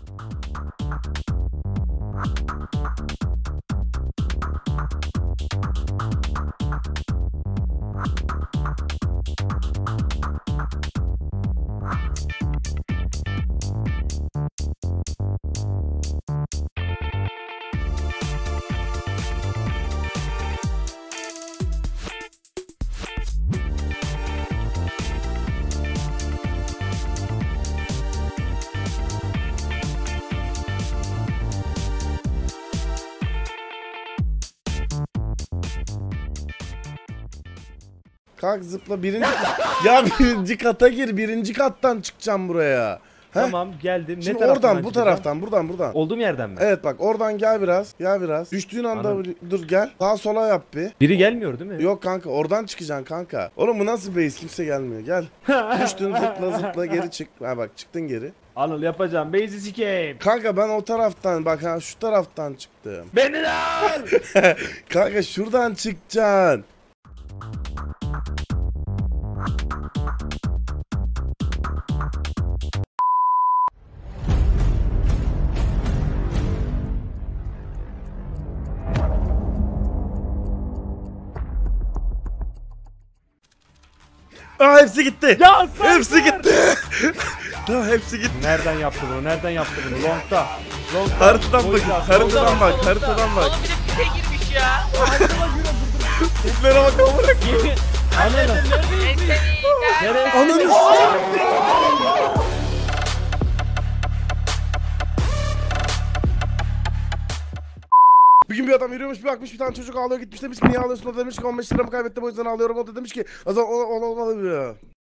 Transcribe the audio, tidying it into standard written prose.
Kalk zıpla birinci ya birinci kata gir, birinci kattan çıkacağım buraya. Heh. Tamam geldim. Şimdi Ne taraftan oradan bu taraftan buradan. Olduğum yerden mi? Evet bak oradan gel biraz. Düştüğün anda dur gel. Sağa sola yap bir. Biri gelmiyor değil mi? Yok kanka oradan çıkacaksın kanka. Oğlum bu nasıl base, kimse gelmiyor gel. Düştün zıpla geri çık. Ha bak çıktın geri. Anıl yapacağım. Base'i sikeyim. Kanka ben o taraftan bak ha şu taraftan çıktım. Beni de al. Kanka şuradan çıkacaksın. Aa hepsi gitti. Ya sen hepsi gitti. Ya hepsi gitti. Nereden yaptı bunu? Nereden yaptı bunu? Long'da. Haritadan bak. Haritadan bak. Oğlum bir de pite girmiş ya. Tiplere bak amına. Anıl. Nereye? Ananı Bir gün bir adam yürüyormuş, bir bakmış bir tane çocuk ağlıyor, gitmiş demiş ki niye ağlıyorsun, o demiş ki 15 liramı kaybettim o yüzden ağlıyorum, o da demiş ki o zaman olmalı.